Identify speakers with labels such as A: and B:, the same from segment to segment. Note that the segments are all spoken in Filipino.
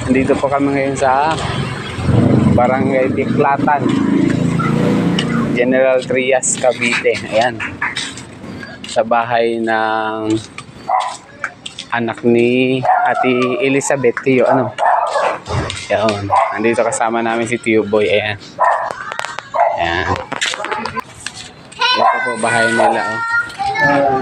A: Nandito po kami ngayon sa Barangay Tiklatan, General Trias, Cavite. Ayan. Sa bahay ng anak ni Ate Elizabeth, Tio. Ano? Ayan. Nandito kasama namin si Tio Boy. Ayan. Ayan. Ito po bahay nila. Oh.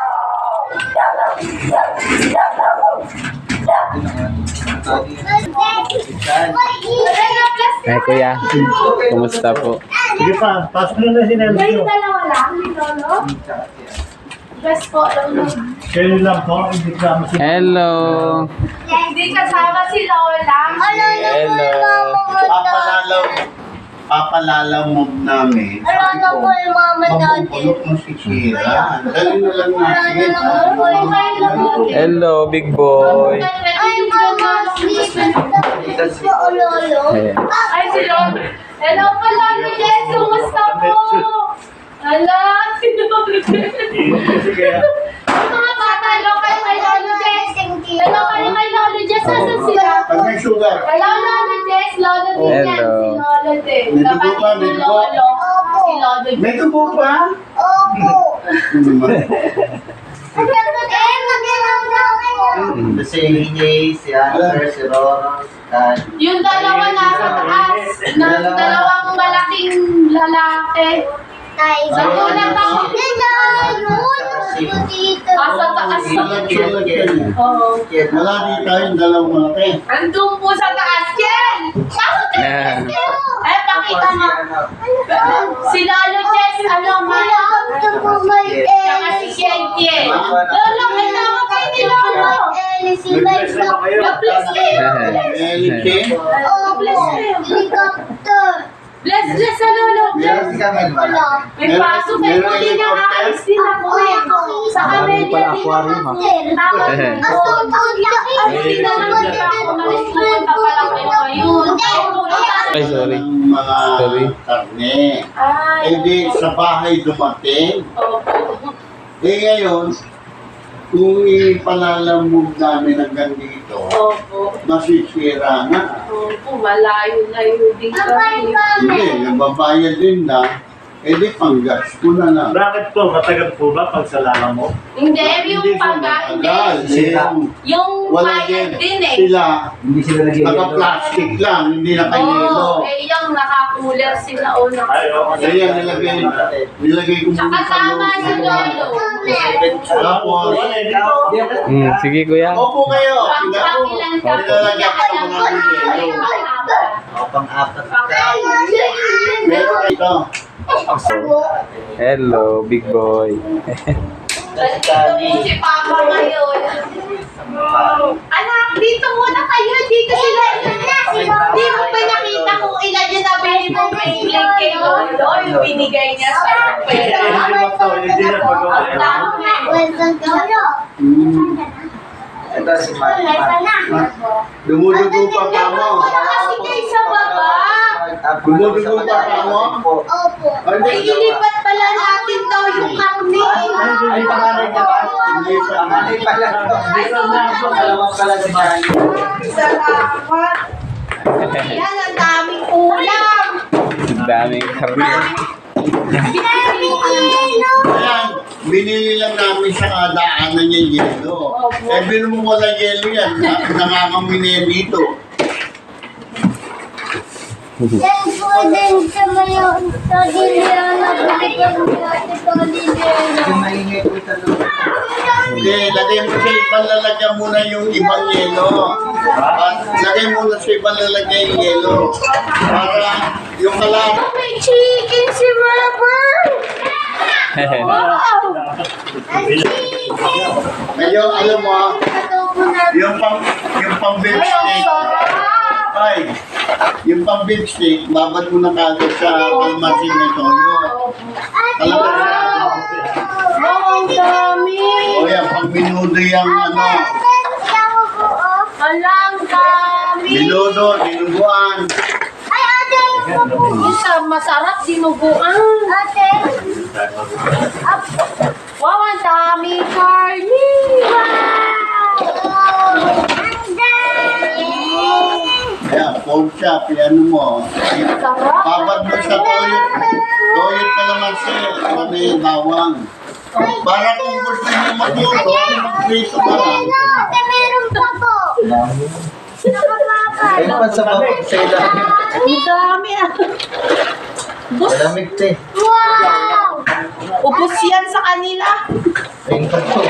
A: Ay, kuya. Kumusta po?
B: Sige pa, pasok mo na sinabi
C: Kayo
B: ko.
C: dalawa lang, ni Lolo? Best po, Lolo.
B: Kayo lang po, hindi ka masin.
A: Hello.
C: Hindi kasama si Lola.
A: Hello.
D: Papalalaw mo namin. Sabi ko, mabubulok mo si Shira. Dali na lang natin.
A: Hello, big boy.
C: Ay, si Lolo. Hello po, Lolo Jess. Kumusta po? Hala, si Lolo Jess. Mga bata, hello kayo kay Lolo Jess. Hello kayo kay Lolo Jess. Asan sila?
D: Pag may sugar.
C: Hello, Lolo Jess. Lolo din yan. Si Lolo din.
D: May dugo
C: Kapatid
D: ba?
C: ni
D: May dugo?
C: Lolo. Si Lolo din.
D: May tubo pa?
E: Si EJ, si Answer, si Roro, si Tan.
C: Yung dalawa nasa taas. Dalawang malaking lalaki. Sa unang taon. Sa taas. Oo.
D: Wala di tayong dalawang malaki.
C: Andun po sa taas, Ken!
A: Yeah.
C: Eh, pakita mo. Si Lolo Jess, ano, ma'am? Saka si Ken. Lolo, may tawag kayo ni Lolo.
B: Nag-bless na ba kayo?
C: Bless kayo. Bless kayo. Bless sa Lolo
E: Meron
C: Jess.
E: si Kamel ba?
C: May pasok ay muli na aalis din ako eh. Sa Camellia din ako. Tama po. Alis din na lang kita ako. Alis pumunta pa lang kayo ngayon.
A: Ay, sorry.
D: Ng mga
A: Sorry.
D: karne.
C: Ay.
D: Eh di sa bahay dumating.
C: Opo.
D: Eh ngayon, kung ipalalamog namin hanggang dito,
C: Opo.
D: masisira na.
C: Opo. Malayo-layo din kami.
D: Hindi, nababayad din na. Eh di panggas ko na lang.
B: Bakit po? Matagal po ba pag sa lala mo?
C: Hindi, yung
D: Hindi ko
C: pagka,
D: matagal.
C: hindi.
D: Yung
C: Yung
D: wala
C: bayad din eh.
D: Sila,
E: Hindi sila nag
D: naka-plastic lang, hindi
C: Oo,
D: naka-yelo.
C: eh yung nakakuler sila o
B: Ay,
C: naka...
B: oo.
D: Kaya nilagay ko
C: Tsaka
D: muna sa
C: tama
D: loob.
C: si Lolo.
D: Tapos,
A: Sige, kuya.
D: opo kayo.
C: Pang-ilan ka po
D: Nilalagyan
C: niya
D: ko ng mga yelo.
E: O, pang-apat.
D: Meron ito.
A: Hello, big boy.
C: Si Papa ngayon. Anak, dito muna kayo. Dito sila. Di mo pa nakita kung ilan yung nabili mo bracelet kay Lolo. Yung binigay niya sa pera. Ang dami.
E: Ito si Mati.
D: Dumudugo pa ka mo.
C: Wala kasi kayo sa baba.
D: Dumudugo pa ka mo.
C: Ay, ilipat pala natin daw yung karne.
E: Ay, pangalan niya ba?
D: Hindi pa.
E: Pangalan pala. Dalawang pala si Charlie.
C: Salamat. Yan, ang daming ulam.
A: Ang daming karne.
D: Ayan, binili lang namin sa daanan yung yelo. Eh, bilo mo wala yelo yan. Nangangamoy na yan dito.
E: Yung maingay po ito.
D: Hindi, lagay mo sa ibang lalagyan muna yung ibang yelo. Lagay muna sa ibang lalagyan yung yelo. Para yung kalat.
C: May chicken si Robert. Wow.
D: Ngayon, alam mo, yung pang beef
C: Ay, ang
D: steak.
C: sarap.
D: Ay, yung pang beef steak, babad mo na kagad sa kalmasin na toyo.
C: Wow. Wow, ang dami.
D: O yan, pag minudo yung ano,
C: Alang dami.
D: minudo, dinuguan.
C: Isa, masarap dinuguan. Wow, ang dami karne. Wow! Ang dami!
D: pork chop, ano mo. Babad mo sa toyot. Toyot ka naman siya. Ano yung bawang. Para kung gusto niyo magluto, magprito ka lang.
F: Meron pa po.
E: Ayun pa sa baba, sa ilalim.
C: Ang dami ah.
E: Malamig to eh.
F: Wow!
C: Ubus yan sa kanila.
E: Ayun pa to.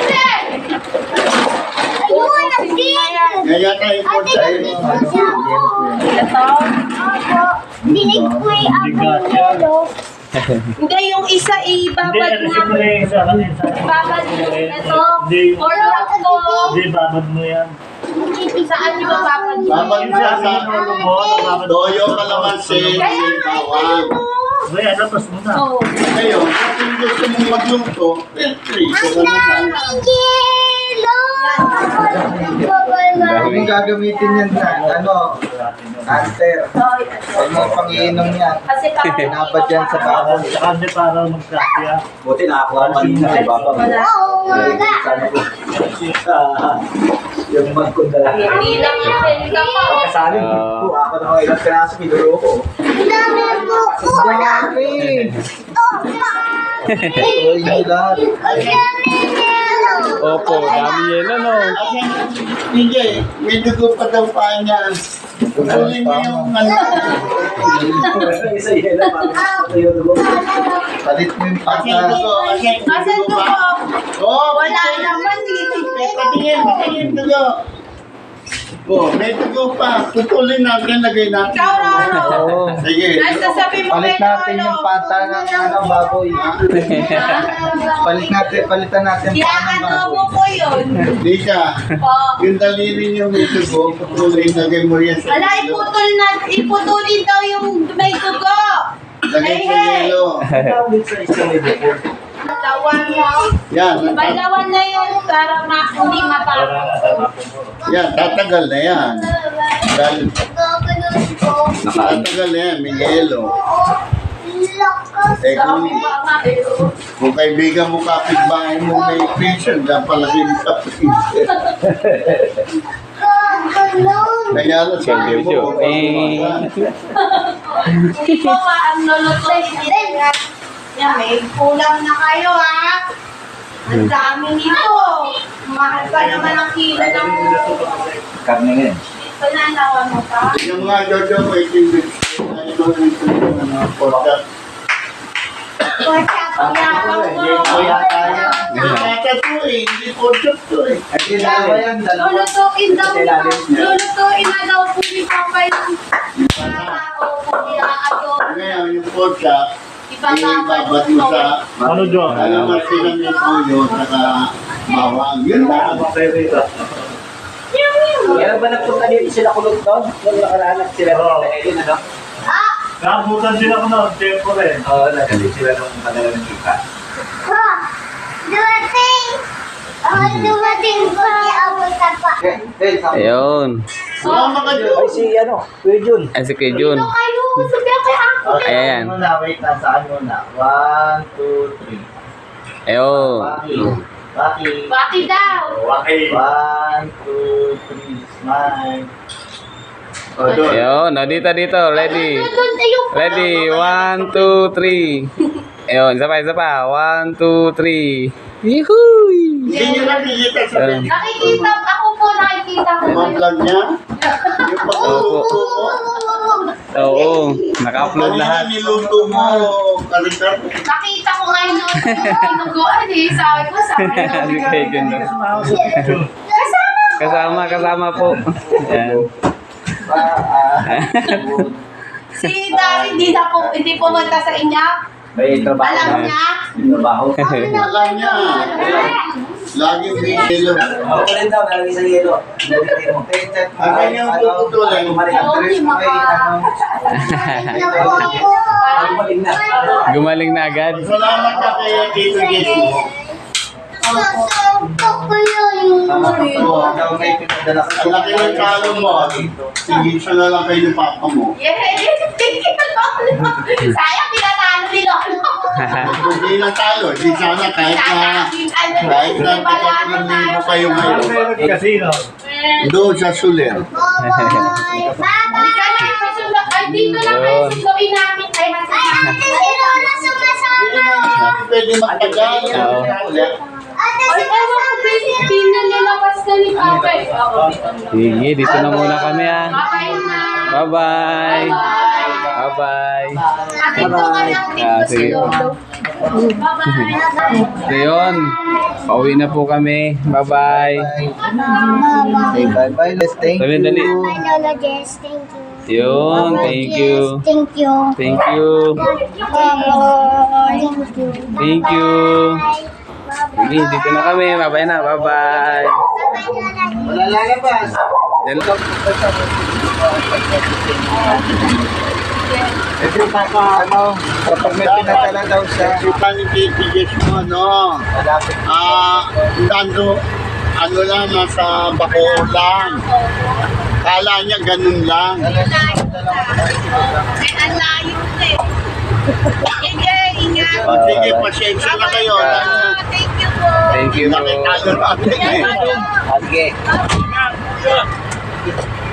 F: Ayun, nagsin!
D: Kaya tayo pork chop.
E: Ayun yung ano, yelo po yan.
C: Ito.
F: Opo. Dinig ko yung apple yelo.
C: Hindi, yung isa
B: Hindi,
C: ibabad
B: ano
C: mo.
B: siya muna yung sa kanila.
C: Ibabad mo. Ito.
B: Hindi.
C: Or lang to.
B: Hindi, babad mo yan.
C: Saan yung babad mo?
D: Babad mo
B: Yung sa
D: sa
B: ulo mo, babad mo.
D: toyo kalamansi, yung bawang.
B: May ano, tapos mo na.
C: Oh.
D: Ngayon, kung gusto mong magluto, feel free. Kung ano na.
F: Yelo!
E: Kung gagamitin yan na, ano, cancer. Huwag mo pang-iinom yan.
C: Kasi parang
E: Pinabad yan sa baboy.
B: Saka hindi para magkakya.
E: Buti nakakuha kanina sa baboy.
F: Oo, umaga.
E: Yung mag ko dala.
C: hindi lang yung ka pa.
E: Kasali po. Ako na mga ilang piraso, pinulo ko.
F: Ang dami po po.
E: Dami! Ito yung lahat.
F: Ang dami yelo.
A: Opo, dami yelo, no?
D: Hindi, may dugo pa daw pa niya. Tuloy mo yung ano.
E: Isa yelo para sa yung dugo. Palit mo yung
D: Kasi
E: pata.
D: dugo, kasi
C: Asan
D: dugo
C: to
D: pa.
C: po?
D: Oo,
C: Wala naman dito.
D: patingin dugo. Oh, may dugo pa. Putulin natin, lagay natin.
C: Ikaw, Roro.
E: Oo.
D: Sige.
C: Ay, sasabi mo
E: Palit
C: kay
E: natin
C: Lolo.
E: yung pata ng ano, baboy. Palitan natin yung pata ng
C: Iaanobo
E: baboy.
C: ko yun.
D: Di ka.
C: Po.
D: Yung daliri niyo may dugo, putulin, lagay mo yan sa
C: Ala,
D: yelo.
C: iputulin daw yung may dugo.
D: Lagay sa yelo.
C: Balawan mo.
D: Yan,
C: Balawan na yun para hindi matapos.
D: yan, tatagal na yan. Dahil
F: Gaganon ko.
D: tatagal na yan, may yelo.
F: Lakas.
D: Eh kung,
C: Sabi ba nga eh.
D: kung kaibigan mo kapitbahay mo may patient, dapat palagay mo sa patient.
F: Gaganon.
D: Kaya na sabi mo,
C: Hindi po ang lulutuin. Yan, may kulang na kayo ha. Ang dami nito. Mahal pa naman ang kilo ng
E: Karne ngayon.
C: pananawan mo pa.
D: yung mga jojo mo, itindig. Porta.
F: Porta po yan.
E: Kuya tayo.
D: Porta to eh, hindi porta to eh.
E: Hindi dalawa yan, dalawa.
C: Lulutuin daw ni Lulutuin na daw po ni Papa yung tao kung iaador.
D: Ngayon, yung porta, ibabad mo sa
B: Ano, John?
D: kalamansi ng may toyo, saka bawang. Yun lang.
E: Kailan ba nagpunta niyo sila kulot doon? Nung nakaranak sila
B: Oo.
E: ng Helen, ano?
B: Nakabutan din ako ng tempo rin.
E: Oo, nagalit sila nung padala ng kita.
F: Ha! Dumating! Dumating po ni Abu Tapa.
A: Ayun.
D: Wala ka
E: Ay, si ano, Kuya Jun.
A: Ay, si Kuya Jun.
C: Ito kayo, sabi kay ako.
A: Ayan.
E: Muna, wait lang, saan muna? 1, 2, 3.
A: Ayun.
E: Baki.
C: Bakit daw?
B: Okay.
E: 1, 2, 3, smile.
D: Oh, doon.
A: Ayun. O, dito. Ready.
C: Doon yung
A: Ready. 1, 2, 3. Ayun. Isa pa. 1, 2, 3. Yuhuy!
D: Hindi nyo nakikita sa video.
C: Nakikita, ako po nakikita ko.
D: Ang vlog niya, yung pagluluto mo.
A: Oo. Naka-upload
D: Kanina
A: lahat.
D: niluto mo, kalitar.
C: Nakita ko ngayon noon, tinuguan eh. Sabi ko, sabi ko.
A: Si Kuya Jun.
C: Kasama.
A: Kasama po. Ayan.
C: Si Dari, hindi pumunta sa inyo.
E: May trabaho
C: Alam
E: na.
C: niya.
E: May trabaho.
D: Alam niya. Laging may yelo.
E: Ako rin daw, nalagay sa yelo.
D: Akin yung puputulin.
A: Gumaling na agad.
D: Salamat ka kay Tito Jesse.
F: Sasabak ko yun.
D: Ang laki ng talo mo. Sige, siya na lang kayo ni Papa mo.
C: Sayang, pinatalo ni Lolo.
D: Kung di lang talo, di sana kahit na 3,000 kayo ngayon.
B: Casino.
D: Doon sa Suler.
F: Bye-bye.
C: Halika na, susunod. Ay, dito lang kayo
A: Yun.
C: sunduin namin. Ay,
F: Ay, ate, si Lola sumasama.
D: Pwede magtagal.
A: Oo.
F: Ate,
C: ay, ewan ko, pinalalapas na ni Papa. Eh, ako, dito na.
A: Sige, dito na muna kami ah.
C: Kakain na.
A: Bye-bye. Bye-bye.
C: Atin ko ka lang dito
A: Ah,
C: si
A: sige.
C: Lolo. Bye-bye.
A: So yun, pauwi na po kami. Bye-bye.
E: Say bye-bye, Les. Thank
A: Dali,
E: you.
A: dali.
F: Bye, Lola Jess. Thank you.
A: Yun, thank you.
F: Thank you.
A: Thank you.
F: Bye-bye. Thank you.
A: Thank you. Sige, dito na kami. Bye-bye na. Bye-bye.
E: Wala lalabas.
A: Hello.
E: Every time, kapag may pinatala daw siya,
D: Kita ni titigas mo, no?
E: malapit.
D: Nando, ano lang, nasa bako lang. Kala niya ganun lang. O sige, pasensya na kayo.
A: Thank you po.
D: Nakitalo natin eh.
E: Sige.